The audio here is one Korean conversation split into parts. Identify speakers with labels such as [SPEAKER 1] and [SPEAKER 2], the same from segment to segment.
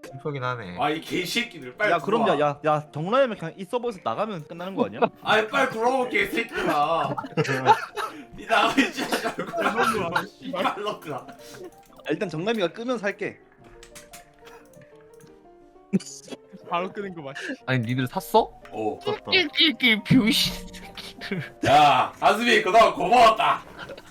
[SPEAKER 1] 슬프긴 하네.
[SPEAKER 2] 아 이 개새끼들 빨리
[SPEAKER 3] 야 그럼
[SPEAKER 2] 들어와.
[SPEAKER 3] 야 정라이면 그냥 이 서버에서 나가면 끝나는 거 아니야?
[SPEAKER 2] 아니 빨리 돌아올 개새끼들아. 니 나가 있지 말고. 씨발로들아.
[SPEAKER 3] 아, 일단 정남이가 끄면 살게.
[SPEAKER 4] 바로 끄는 거 봐.
[SPEAKER 1] 아니 니들 샀어?
[SPEAKER 2] 어.
[SPEAKER 1] 끼끼끼 병신 새끼들.
[SPEAKER 2] 야 아즈미 그동안 고마웠다.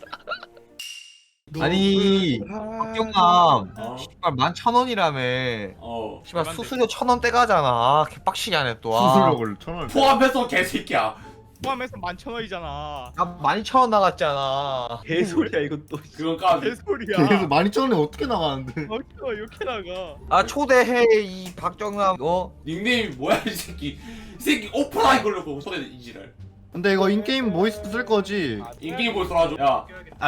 [SPEAKER 1] 아니 박경남
[SPEAKER 2] 어.
[SPEAKER 1] 씨발 11,000원이라며.
[SPEAKER 2] 어.
[SPEAKER 1] 씨발 수수료 1,000원 떼가잖아. 개빡치게 하네 또. 아.
[SPEAKER 5] 수수료를 1,000원.
[SPEAKER 2] 포함해서 개새끼야.
[SPEAKER 4] 포함해서 11,000원이잖아.
[SPEAKER 1] 나 12,000원 나갔잖아.
[SPEAKER 3] 개소리야 이것도.
[SPEAKER 2] 그건까지.
[SPEAKER 4] 개소리야.
[SPEAKER 5] 그래서 12,000원에 어떻게 나가는데?
[SPEAKER 4] 어쩌 이렇게 나가.
[SPEAKER 1] 아 초대해 이 박정남.
[SPEAKER 2] 닉네임이 뭐야 이 새끼. 이 새끼 오프라인 걸려고 손에 이지랄.
[SPEAKER 5] 근데 이거 인게임 보이스 쓸 거지?
[SPEAKER 2] 인기 보이스 나와줘. 야.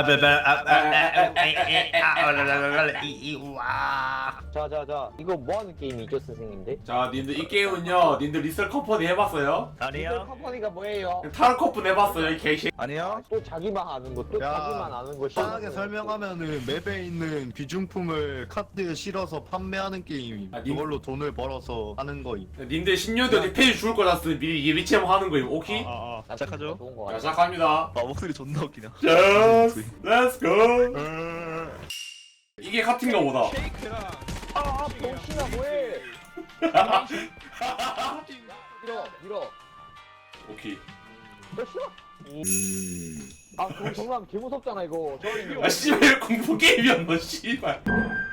[SPEAKER 6] 자자자 이거 뭐하는 게임이죠 선생님들?
[SPEAKER 2] 자 님들 이 게임은요. 님들 리셀 컴퍼니 해봤어요?
[SPEAKER 6] 리셀 컴퍼니가 뭐예요?
[SPEAKER 2] 타로 커플 해봤어요 이 개새.
[SPEAKER 3] 아니야?
[SPEAKER 6] 또 자기만 아는 거, 또
[SPEAKER 5] 야,
[SPEAKER 6] 자기만 아는 거
[SPEAKER 5] 편하게 설명하면은 맵에 있는 귀중품을 카드에 실어서 판매하는 게임임.
[SPEAKER 2] 아, 님-
[SPEAKER 5] 이걸로 돈을 벌어서 하는 거임.
[SPEAKER 2] 님들 10년 뒤에 페이지 죽을 거잖아. 미리 예비체 하는 거임. 오케이?
[SPEAKER 4] 아.
[SPEAKER 3] 시작하죠.
[SPEAKER 6] 좋은 거
[SPEAKER 2] 자
[SPEAKER 6] 같아.
[SPEAKER 2] 시작합니다.
[SPEAKER 3] 아 목소리 존나 웃기냐.
[SPEAKER 2] Just let's go. 이게 같은가 보다.
[SPEAKER 4] 쉐이크랑
[SPEAKER 6] 아 병신아 뭐해? 밀어.
[SPEAKER 2] 오케이.
[SPEAKER 6] 너 싫어? 아 그거 정말 개 무섭잖아 이거.
[SPEAKER 2] 아 씨발 공포 게임이었나 씨발.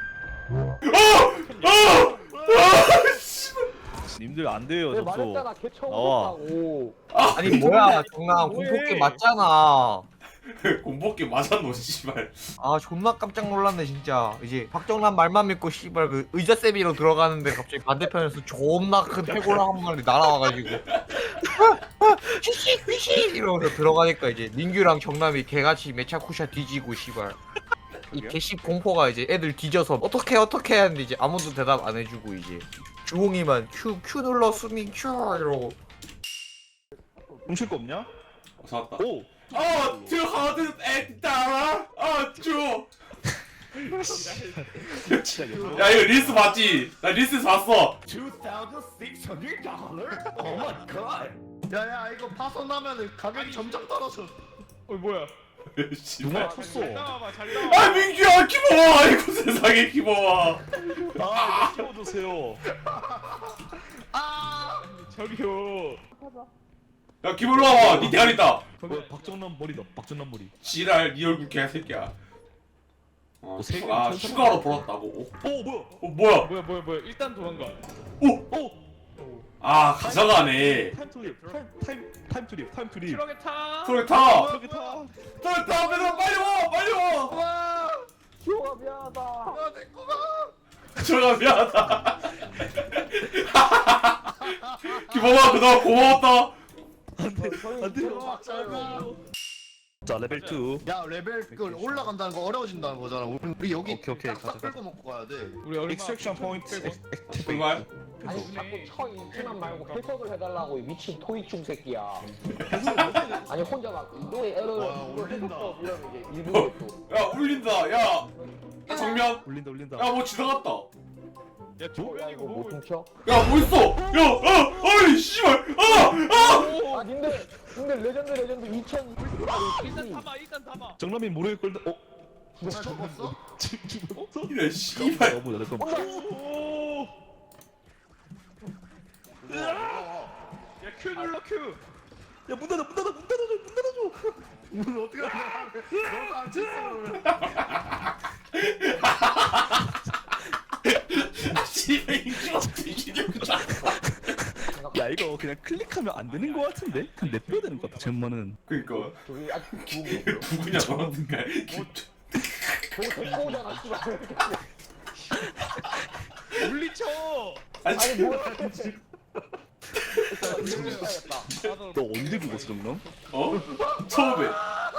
[SPEAKER 2] 씨발.
[SPEAKER 3] 님들 안 돼요
[SPEAKER 6] 내가
[SPEAKER 3] 접속.
[SPEAKER 6] 말했잖아 개 처음
[SPEAKER 3] 나와.
[SPEAKER 6] 무섭다고.
[SPEAKER 1] 아니 뭐야 정남
[SPEAKER 6] 뭐해?
[SPEAKER 1] 공포게임 맞잖아.
[SPEAKER 2] 공포 게임 맞았노 씨발.
[SPEAKER 1] 아 존나 깜짝 놀랐네 진짜. 이제 박정남 말만 믿고 씨발 그 의자 세비로 들어가는데 갑자기 반대편에서 존나 큰 해골랑 한 마리 날아와가지고 휘시 휘시 이러면서 들어가니까 이제 민규랑 정남이 개같이 메차쿠샤 뒤지고 씨발 이 개씹 공포가 이제 애들 뒤져서 어떻게 하는데 이제 아무도 대답 안 해주고 이제 주홍이만 큐 눌러 수민 큐 이러고.
[SPEAKER 3] 훔칠 거 없냐?
[SPEAKER 2] 잡았다.
[SPEAKER 3] 오.
[SPEAKER 2] too hard to act 따라. 쭈.
[SPEAKER 3] 진짜 이거.
[SPEAKER 2] 야 이거 리스 봤지? 나 리스 봤어.
[SPEAKER 5] 야야 이거 파손하면은 가격이 점점 떨어져.
[SPEAKER 4] 뭐야?
[SPEAKER 3] 누가 쳤어?
[SPEAKER 4] 잘 나와봐 잘 나와.
[SPEAKER 2] 아 민규야 키모아. 아이고 세상에 키모아.
[SPEAKER 3] 아 이거 키워주세요.
[SPEAKER 4] 저기요.
[SPEAKER 2] 야 기몰로 와봐. 니 대가리 있다.
[SPEAKER 3] 박정남 머리다. 박정남 머리.
[SPEAKER 2] 지랄 니 얼굴 개새끼야.
[SPEAKER 3] 세 개는
[SPEAKER 2] 아
[SPEAKER 3] 천천히
[SPEAKER 2] 추가로 벌었다고.
[SPEAKER 3] 오 뭐야?
[SPEAKER 2] 뭐야?
[SPEAKER 4] 뭐야? 일단 도망가.
[SPEAKER 3] 오.
[SPEAKER 2] 아 가져가네.
[SPEAKER 3] 타임 투립. 타임 투립.
[SPEAKER 4] 트럭에 타.
[SPEAKER 2] 트럭 타.
[SPEAKER 3] 저기 타.
[SPEAKER 2] 트럭 타. 얘들아 빨리 와.
[SPEAKER 6] 기호가 미안하다.
[SPEAKER 2] 들어가 미안하다. 기범아 그동안 고마웠다.
[SPEAKER 3] 자 레벨 2.
[SPEAKER 5] 야 레벨 그 올라간다는 거 어려워진다는 거잖아. 우리 여기
[SPEAKER 3] 오케이,
[SPEAKER 5] 싹
[SPEAKER 3] 가자.
[SPEAKER 5] 끌고 먹고 가야 돼.
[SPEAKER 4] 우리 얼마?
[SPEAKER 3] 익스트랙션 포인트.
[SPEAKER 2] 정말?
[SPEAKER 6] 아니 자꾸 쳐 인지만 말고 해석을 해달라고 이 미친 토이충 새끼야. 아니 혼자 막 노래 에러를
[SPEAKER 5] 와, 올린다.
[SPEAKER 6] 이러면 이제 일부러 또.
[SPEAKER 2] 야 울린다. 야 정면.
[SPEAKER 3] 올린다.
[SPEAKER 2] 야 뭐 지나갔다.
[SPEAKER 4] 야
[SPEAKER 6] 야
[SPEAKER 4] 조명이
[SPEAKER 6] 이거 못
[SPEAKER 4] 뭐?
[SPEAKER 6] 훔쳐?
[SPEAKER 2] 야 뭐 있어? 어이 씨발.
[SPEAKER 6] 아 님들 레전드 2000
[SPEAKER 4] 일단 타봐.
[SPEAKER 3] 정남이 모르겠 걸다. 어?
[SPEAKER 5] 누가 죽었어?
[SPEAKER 3] 죽었어?
[SPEAKER 2] 이래 씨발.
[SPEAKER 3] 너무 나 잠깐.
[SPEAKER 4] 오. 야큐 눌러 큐.
[SPEAKER 3] 야문 닫아.
[SPEAKER 5] 문 어떻게 하냐? 너무 안 쳤어.
[SPEAKER 2] 씨발 인기가 뒤지려고 자.
[SPEAKER 3] 야 이거 그냥 클릭하면 안 되는 거 같은데? 그냥 냅둬야 되는 거 같아. 젠만은.
[SPEAKER 2] 그니까
[SPEAKER 6] 저기 아직
[SPEAKER 2] 누구냐 너라든가.
[SPEAKER 6] 저거 데리고 오잖아 씨발.
[SPEAKER 4] 물리쳐.
[SPEAKER 6] 아니 뭐야?
[SPEAKER 3] 너 언제 죽었어 정남?
[SPEAKER 2] 어? 처음에.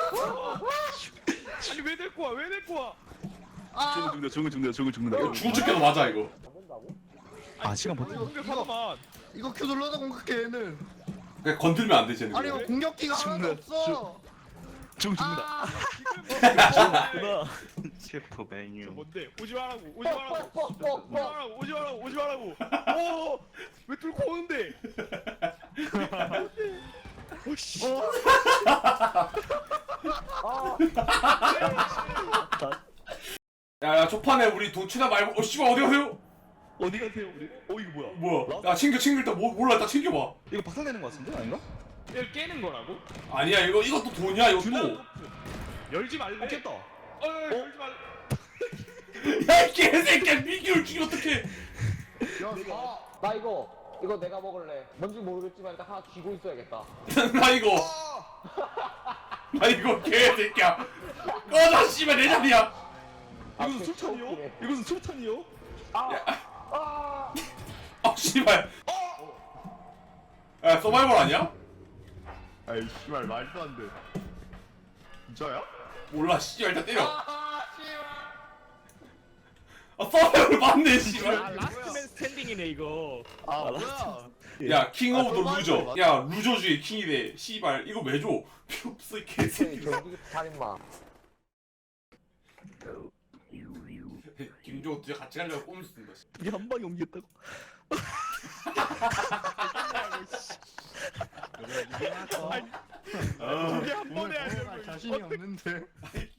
[SPEAKER 4] 아니 왜 데리고 와? 왜 데리고 와?
[SPEAKER 3] 죽는다.
[SPEAKER 2] 이거 죽은 척해도 맞아 이거.
[SPEAKER 3] 아 시간 버텨.
[SPEAKER 4] 공격하더만.
[SPEAKER 5] 이거 큐 눌러서 공격해 얘는.
[SPEAKER 2] 그냥 건들면 안 되지.
[SPEAKER 5] 아니 이거 공격기가 하나도
[SPEAKER 3] 죽네.
[SPEAKER 5] 없어.
[SPEAKER 3] 죽는다.
[SPEAKER 4] 지금
[SPEAKER 7] 셰프 메뉴.
[SPEAKER 4] 뭔데? 오지 말라고. 오지 말라고. 오지
[SPEAKER 6] 뻑뻑뻑뻑.
[SPEAKER 4] 말라고. 오지 말라고. 오지 말라고. 오! 왜 뚫고 오는데? 오씨.
[SPEAKER 2] 야야 초판에 우리 도치나 말고 씨발 어디 가세요?
[SPEAKER 3] 어디 가세요 우리? 이거 뭐야?
[SPEAKER 2] 뭐야? 야 챙겨 일단 몰라 일단 챙겨봐.
[SPEAKER 3] 이거 박살내는 거 같은데 아닌가?
[SPEAKER 4] 이걸 깨는 거라고?
[SPEAKER 2] 아니야 이것도 돈이야 이것도.
[SPEAKER 4] 열지 말래.
[SPEAKER 3] 깼다.
[SPEAKER 4] 열지 말래.
[SPEAKER 2] 야이 개새끼야 민규를 죽여 어떡해.
[SPEAKER 6] 나 이거 내가 먹을래. 뭔지 모르겠지만 일단 하나 쥐고 있어야겠다.
[SPEAKER 2] 나 이거 개새끼야. 꺼져 씨발 내 자리야.
[SPEAKER 3] 이것은 술탄이요? 이것은 술탄이요?
[SPEAKER 2] 아 씨발. 야 서바이벌 아니야?
[SPEAKER 5] 아이 씨발 말도 안 돼. 진짜야?
[SPEAKER 2] 몰라 씨발 일단 때려. 아 서바이벌 맞네
[SPEAKER 4] 아,
[SPEAKER 2] 씨발.
[SPEAKER 4] 라스트맨 스탠딩이네 이거.
[SPEAKER 5] 아 뭐야?
[SPEAKER 2] 야 킹 오브 더
[SPEAKER 5] 서바이벌
[SPEAKER 2] 루저.
[SPEAKER 5] 맞아.
[SPEAKER 2] 야 루저 중에 킹이래. 씨발 이거 왜 줘? 필요 없어 이 개새끼.
[SPEAKER 6] 전기 살인마.
[SPEAKER 2] 김종호 진짜 같이 가려고 꼼수 쓴다.
[SPEAKER 3] 이게 한 방에 옮겼다고?
[SPEAKER 4] 그게 한 번에 하려고.
[SPEAKER 5] 자신이 없는데.